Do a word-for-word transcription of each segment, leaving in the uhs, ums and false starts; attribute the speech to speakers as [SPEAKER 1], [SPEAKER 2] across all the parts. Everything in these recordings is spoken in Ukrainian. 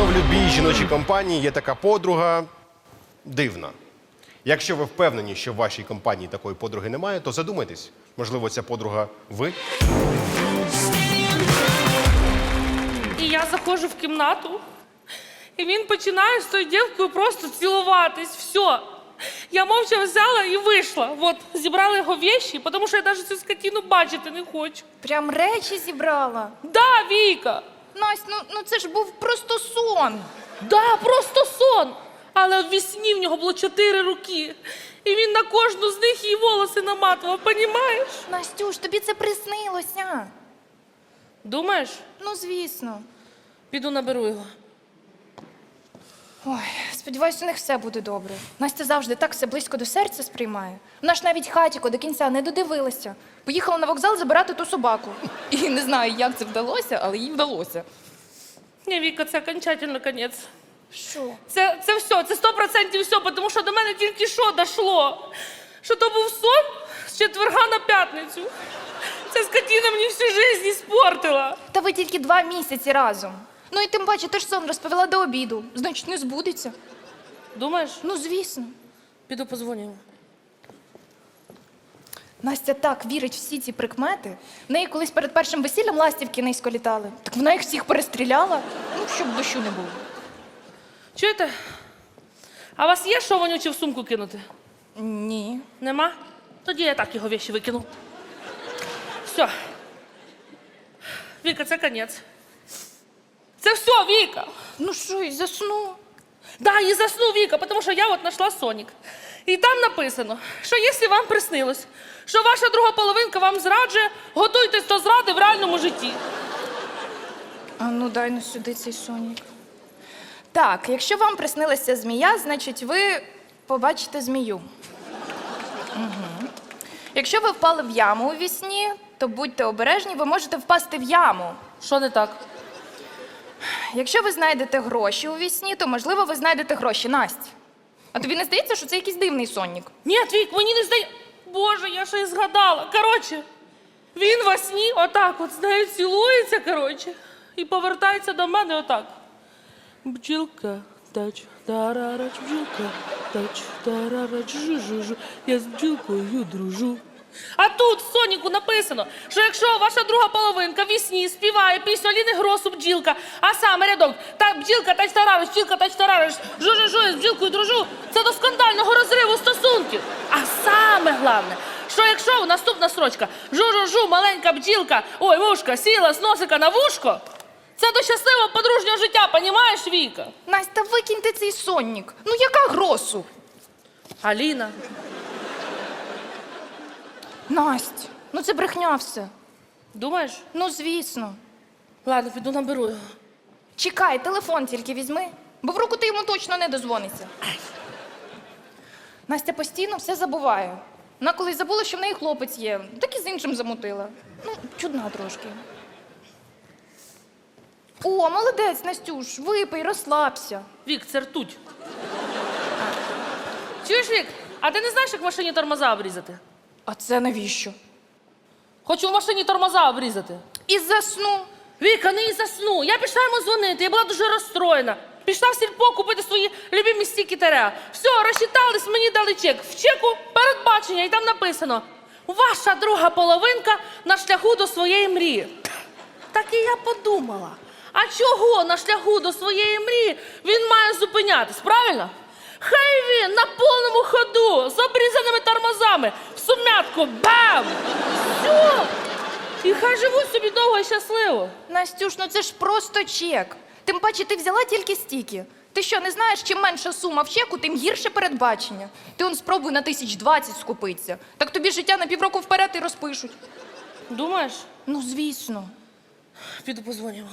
[SPEAKER 1] Напевно, в любій жіночій компанії є така подруга дивна. Якщо ви впевнені, що в вашій компанії такої подруги немає, то задумайтесь. Можливо, ця подруга ви?
[SPEAKER 2] І я заходжу в кімнату, і він починає з тою дівкою просто цілуватись. Все. Я мовча взяла і вийшла. От, зібрала його вещі, тому що я навіть цю скотину бачити не хочу.
[SPEAKER 3] Прям речі зібрала.
[SPEAKER 2] Да, Віка!
[SPEAKER 3] Настя, ну, ну це ж був просто сон.
[SPEAKER 2] Да, просто сон. Але в вісні в нього було чотири руки. І він на кожну з них її волоси наматував, понімаєш?
[SPEAKER 3] Настюш, тобі це приснилося.
[SPEAKER 2] Думаєш?
[SPEAKER 3] Ну, звісно.
[SPEAKER 2] Піду наберу його.
[SPEAKER 3] Ой, сподіваюся, у них все буде добре. Настя завжди так все близько до серця сприймає. Вона ж навіть хатіко до кінця не додивилася. Поїхала на вокзал забирати ту собаку. І не знаю, як це вдалося, але їй вдалося.
[SPEAKER 2] Ні, Віка, це окончательно кінець.
[SPEAKER 3] Що?
[SPEAKER 2] Це, це все, це сто процентів все, тому що до мене тільки що дійшло. Що то був сон з четверга на п'ятницю. Ця скотина мені всю життя іспортила.
[SPEAKER 3] Та ви тільки два місяці разом. Ну і тим паче, ти ж сон розповіла до обіду. Значить, не збудеться.
[SPEAKER 2] Думаєш?
[SPEAKER 3] Ну, звісно.
[SPEAKER 2] Піду позвоню йому.
[SPEAKER 3] Настя так вірить в всі ці прикмети. В неї колись перед першим весіллям ластівки низько літали. Так вона їх всіх перестріляла. Ну, щоб дощу не було.
[SPEAKER 2] Чуєте? А у вас є що вонюче в сумку кинути?
[SPEAKER 3] Ні.
[SPEAKER 2] Нема? Тоді я так його вещі викину. Все. Віка, це кінець. Це все, Віка.
[SPEAKER 3] Ну що, і засну?
[SPEAKER 2] Да, і засну, Віка, тому що я от знайшла Сонік. І там написано, що якщо вам приснилось, що ваша друга половинка вам зраджує, готуйтесь до зради в реальному житті.
[SPEAKER 3] А ну дай ну сюди цей сонік. Так, якщо вам приснилася змія, значить ви побачите змію. Угу. Якщо ви впали в яму у вісні, то будьте обережні, ви можете впасти в яму.
[SPEAKER 2] Що не так?
[SPEAKER 3] Якщо ви знайдете гроші у вісні, то, можливо, ви знайдете гроші. Настя, а тобі не здається, що це якийсь дивний сонник?
[SPEAKER 2] Ні, Вік, мені не здає... Боже, я ще й згадала. Коротше, він во сні отак от з нею цілується, коротше, і повертається до мене отак. Бджілка, тач, тарарач, бджілка, тач, тарарач, жу-жу-жу, я з бджілкою дружу. А тут в Соніку написано, що якщо ваша друга половинка в сні співає пісню Аліни Гросу «Бджілка», а саме рядок «Та бджілка, тач тарарач, бджілка, тач тарарач, жу-жу-жу, я з бджілкою дружу», це до скандального розриву стосунків. А саме головне, що якщо наступна строчка «Жу-жу-жу, маленька бджілка, ой, вушка, сіла з носика на вушко», це до щасливого подружнього життя, понімаєш, Віка?
[SPEAKER 3] Настя, викиньте цей сонник. Ну яка гросу?
[SPEAKER 2] Аліна.
[SPEAKER 3] Настя, ну це брехня все.
[SPEAKER 2] Думаєш?
[SPEAKER 3] Ну, звісно.
[SPEAKER 2] Ладно, піду наберу його.
[SPEAKER 3] Чекай, телефон тільки візьми, бо в руку ти йому точно не дозвониться. Настя постійно все забуває. Вона колись забула, що в неї хлопець є, так і з іншим замутила. Ну, чудна трошки. О, молодець, Настюш, випий, розслабся.
[SPEAKER 2] Вік, це ртуть. Чуєш, Вік, а ти не знаєш, як в машині тормоза обрізати?
[SPEAKER 3] А це навіщо?
[SPEAKER 2] Хочу в машині тормоза обрізати.
[SPEAKER 3] І засну.
[SPEAKER 2] Віка, не і засну. Я пішла йому дзвонити, я була дуже розстроєна. Пішла в сільпо купити свої любимі стіки тереа. Все, розчитались, мені дали чек. В чеку передбачення, і там написано: ваша друга половинка на шляху до своєї мрії. Так і я подумала, а чого на шляху до своєї мрії він має зупинятись, правильно? Хай він на повному ходу, з обрізаними тормозами, в сумятку, бам! Все! І хай живуть собі довго і щасливо.
[SPEAKER 3] Настюш, ну це ж просто чек. Тим паче ти взяла тільки стільки. Ти що, не знаєш, чим менша сума в чеку, тим гірше передбачення. Ти он спробуй на тисяч двадцять скупитися. Так тобі життя на півроку вперед і розпишуть.
[SPEAKER 2] Думаєш?
[SPEAKER 3] Ну, звісно.
[SPEAKER 2] Піду позвонимо.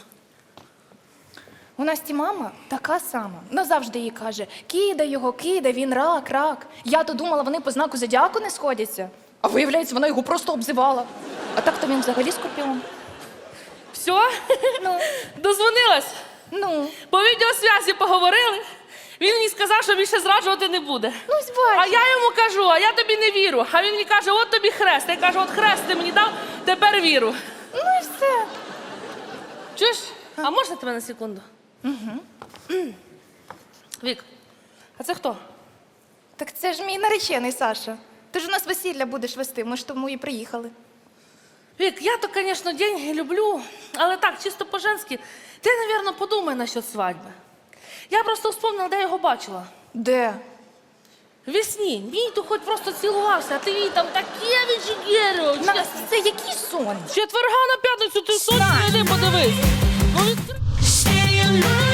[SPEAKER 3] У Насті мама така сама. Вона завжди їй каже: кидай його, кидай, він рак, рак. Я-то думала, вони по знаку зодіаку не сходяться. А виявляється, вона його просто обзивала. А так-то він взагалі скорпіон.
[SPEAKER 2] Все?
[SPEAKER 3] Ну,
[SPEAKER 2] Дозвонилась?
[SPEAKER 3] ну,
[SPEAKER 2] По відеосвязі поговорили. Він мені сказав, що більше зраджувати не буде.
[SPEAKER 3] ну, ось бачиш.
[SPEAKER 2] А я йому кажу, а я тобі не вірю. А він мені каже, от тобі хрест. Я кажу, от хрест ти мені дав, тепер віру.
[SPEAKER 3] Ну і все.
[SPEAKER 2] Чуєш? А можна тебе на секунду?
[SPEAKER 3] Угу.
[SPEAKER 2] Вік, а це хто?
[SPEAKER 3] Так це ж мій наречений, Саша. Ти ж у нас весілля будеш вести, ми ж тому і приїхали.
[SPEAKER 2] Вік, я то, звісно, деньги люблю, але так, чисто по-женськи, ти, мабуть, подумай насчет свадьби. Я просто вспомнила, де його бачила.
[SPEAKER 3] Де?
[SPEAKER 2] Весні. Мій то хоч просто цілувався, а ти їй там таке віджигерював.
[SPEAKER 3] Настя, це який сон?
[SPEAKER 2] З четверга на п'ятницю ти точно йди подивись. Ну, від...
[SPEAKER 4] Say you love